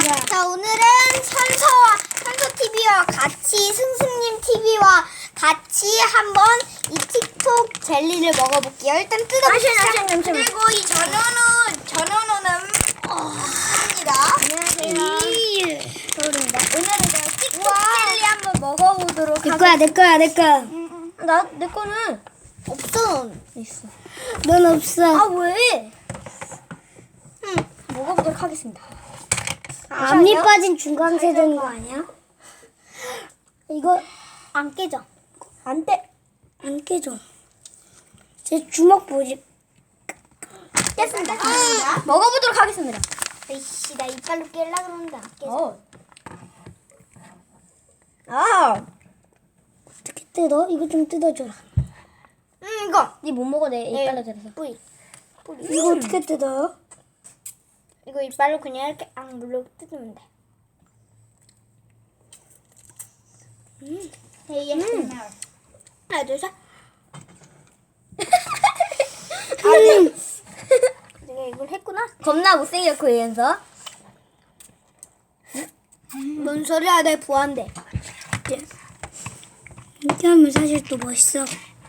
자, 오늘은 선서 TV와 같이 승승님 TV와 같이 한번 이 틱톡 젤리를 먹어볼게요. 일단 뜯어봅시다. 그리고 이 전원우는 합니다. 안녕하세요. 서울입니다. 오늘은 제가 틱톡 젤리 한번 먹어보도록 내 거야, 내 거야, 내 거야. 내 거는 없어. 있어. 넌 없어. 아 왜? 먹어보도록 하겠습니다. 앞니 빠진 중간세 되는 거 아니야? 이거 안 깨져. 안 돼. 안 깨져. 제 주먹 보지. 깼습니다. 먹어보도록 하겠습니다. 에이씨, 나 이빨로 깰라 그러는데 안 깨져. 어떻게 뜯어? 이거 좀 뜯어줘라. 이거. 니 못 먹어 내 이빨로 네. 들어서. 뿌리. 이거 어떻게 뜯어요? 이거 이빨로 그냥 이렇게 물로 뜯으면 돼. 하나, 둘, 셋. 내가 이걸 했구나. 겁나 못생겼고 얘면서. 뭔 소리야, 내 부한데. 이렇게 하면 사실 또 멋있어.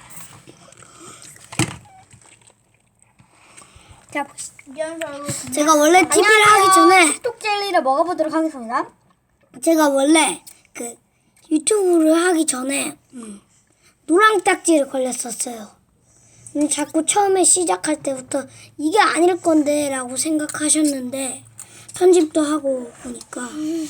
자 보시죠. 제가 원래 TV를 하기 전에 틱톡 젤리를 먹어보도록 하겠습니다. 제가 원래 그 유튜브를 하기 전에 노랑 딱지를 걸렸었어요. 자꾸 처음에 시작할 때부터 이게 아닐 건데 라고 생각하셨는데 편집도 하고 보니까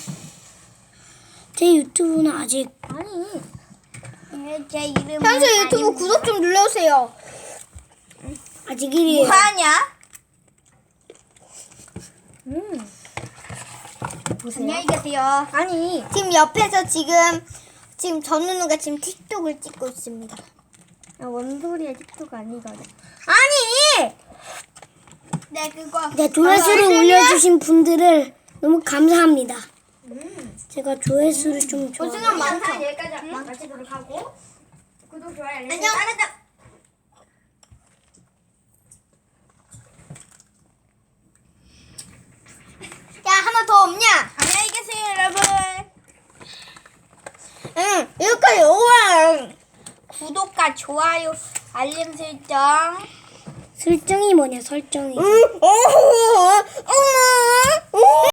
제 유튜브는 아직 아니. 제 이름. 현수 유튜브 구독 좀 눌러주세요. 아직 1위에요. 뭐하냐? 보세요. 안녕히 계세요. 아니. 지금 옆에서 지금 전우누가 지금 틱톡을 찍고 있습니다. 뭔 소리야 틱톡 아니거든. 아니. 네, 그거. 네, 조회수를 올려주신 분들을 너무 감사합니다. 제가 조회수를 좀 조승은 많죠? 여기까지 마치도록 하고 구독 좋아요 알림 안녕. 야, 하나 더 없냐? 안녕히 계세요 여러분. 응, 여기까지 오면. 구독과 좋아요 알림 설정. 설정이 뭐냐 설정이. 응, 어,